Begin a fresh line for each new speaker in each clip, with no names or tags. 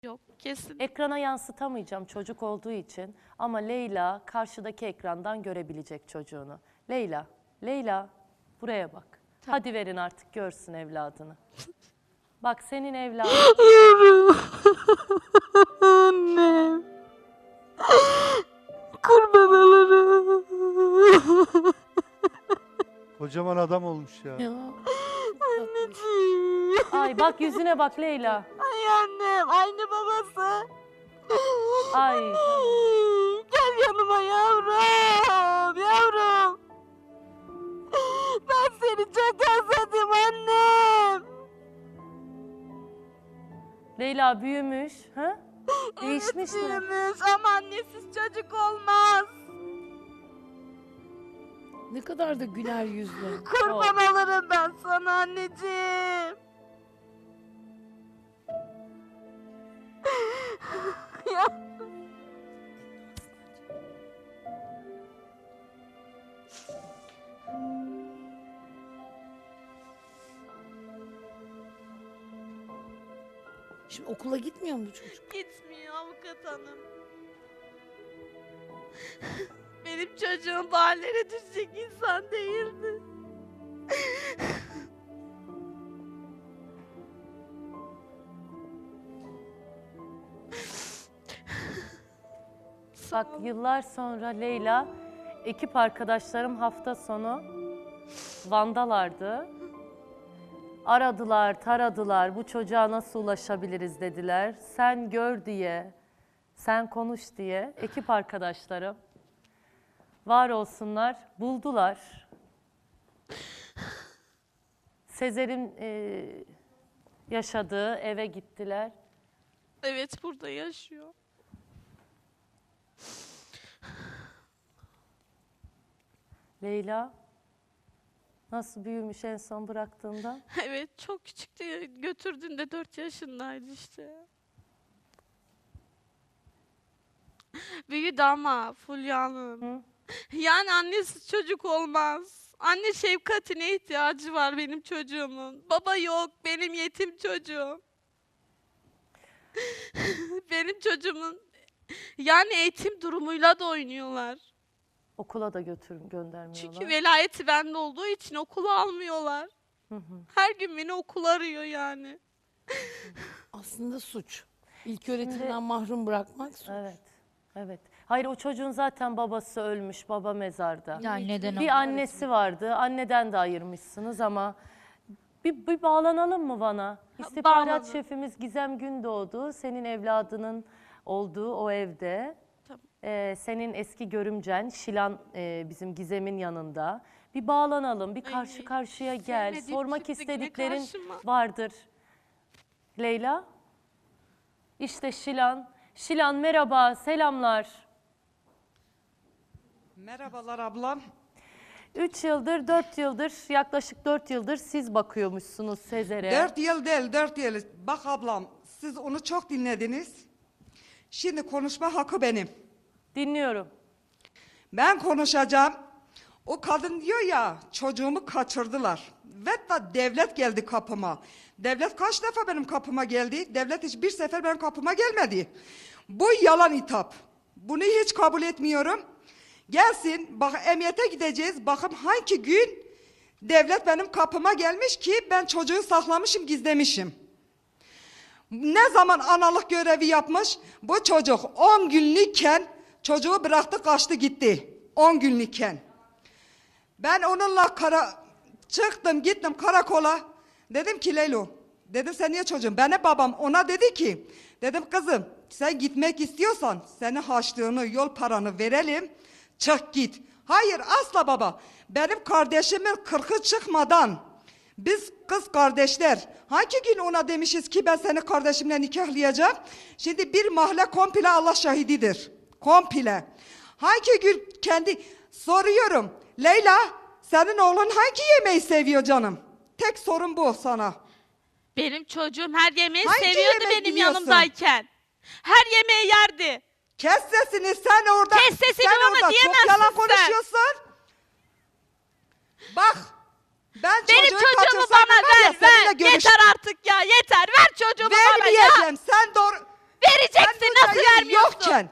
Yok, kesin.
Ekrana yansıtamayacağım çocuk olduğu için ama Leyla karşıdaki ekrandan görebilecek çocuğunu. Leyla buraya bak. Hadi verin artık görsün evladını. Bak senin evladın.
Yavrum. Annem. Kurban olurum.
Kocaman adam olmuş ya.
Anneciğim.
Ay bak yüzüne bak Leyla.
Ay annem. Aynı babası.
Ay.
Gel yanıma yavrum. Yavrum. Ben seni çok özledim annem.
Leyla büyümüş. Ha? Değişmiş mi?
Büyümüş ama annesiz çocuk olmaz.
Ne kadar da güler yüzlü.
Kurban olurum ben sana anneciğim. Ya.
Şimdi okula gitmiyor mu bu çocuk?
Gitmiyor avukat hanım. Benim çocuğum bu hallere düşecek insan değildi.
Bak yıllar sonra Leyla, ekip arkadaşlarım hafta sonu Van'dalardı. Aradılar, taradılar, bu çocuğa nasıl ulaşabiliriz dediler. Sen gör diye, sen konuş diye ekip arkadaşlarım var olsunlar, buldular. Sezer'in yaşadığı eve gittiler.
Evet, burada yaşıyor.
Leyla nasıl büyümüş en son bıraktığında?
Evet, çok küçüktü. Götürdüğünde 4 yaşındaydı işte. Büyüdü ama Fulya Hanım.
Hı?
Yani annesiz çocuk olmaz. Anne şefkatine ihtiyacı var benim çocuğumun. Baba yok, benim yetim çocuğum. Benim çocuğumun yani eğitim durumuyla da oynuyorlar.
Okula da göndermiyorlar.
Çünkü velayeti bende olduğu için okula almıyorlar. Her gün beni okul arıyor yani.
Aslında suç. İlk öğretimden mahrum bırakmak suç.
Evet, evet. Hayır o çocuğun zaten babası ölmüş, baba mezarda.
Yani neden
Bir annesi vardı, anneden de ayırmışsınız ama bir bağlanalım mı bana? İstihbarat
bağlanın.
şefimiz Gizem Gündoğdu, senin evladının olduğu o evde.
Tamam.
Senin eski görümcen Şilan bizim Gizem'in yanında. Bir bağlanalım, bir karşı
Ay,
karşıya gel.
sevmediğim
Sormak
çıktı yine
istediklerin
karşıma.
vardır. Leyla? İşte Şilan. Şilan merhaba, selamlar.
Merhabalar ablam.
3 yıldır, 4 yıldır, yaklaşık 4 yıldır siz bakıyormuşsunuz Sezer'e.
4 yıl değil, 4 yıl. Bak ablam, siz onu çok dinlediniz. Şimdi konuşma hakkı benim.
Dinliyorum.
Ben konuşacağım. O kadın diyor ya, çocuğumu kaçırdılar. Ve da devlet geldi kapıma. Devlet kaç defa benim kapıma geldi? Devlet hiçbir sefer benim kapıma gelmedi. Bu yalan hitap. Bunu hiç kabul etmiyorum. Gelsin, bak emniyete gideceğiz. Bakın hangi gün devlet benim kapıma gelmiş ki ben çocuğu saklamışım, gizlemişim. Ne zaman analık görevi yapmış? Bu çocuk 10 günlükken çocuğu bıraktı kaçtı gitti. 10 günlükken. Ben onunla çıktım gittim karakola. Dedim ki Leylo, dedim sen niye çocuğum? Bana babam ona dedi ki, dedim kızım sen gitmek istiyorsan senin harçlığını yol paranı verelim. Çık git. Hayır asla baba. Benim kardeşimin 40'ı çıkmadan biz kız kardeşler hangi gün ona demişiz ki ben seni kardeşimle nikahlayacağım. Şimdi bir mahalle komple Allah şahididir. Komple. Hangi gün kendi soruyorum. Leyla senin oğlun hangi yemeği seviyor canım? Tek sorun bu sana.
Benim çocuğum her yemeği
Hangi
seviyordu
yemek
benim
yiyorsun?
yanımdayken. Her yemeği yerdi.
Kes sesini sen orada.
Kes sesini
sen
bana
orada
diyemezsin
çok yalan
sen.
konuşuyorsun. Bak ben
Benim
çocuğu
çocuğumu
kaçırsam
bana
var ya
ver,
seninle
ver.
görüş-
Yeter artık ya, yeter. Ver çocuğumu bana ya.
Vermeyeceğim. Sen doğru. varken.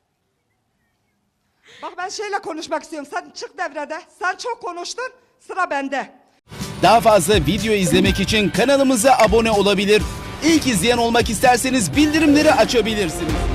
Bak ben şeyle konuşmak istiyorum. Sen çık devrede. Sen çok konuştun. Sıra bende.
Daha fazla video izlemek için kanalımıza abone olabilir. İlk izleyen olmak isterseniz bildirimleri açabilirsiniz.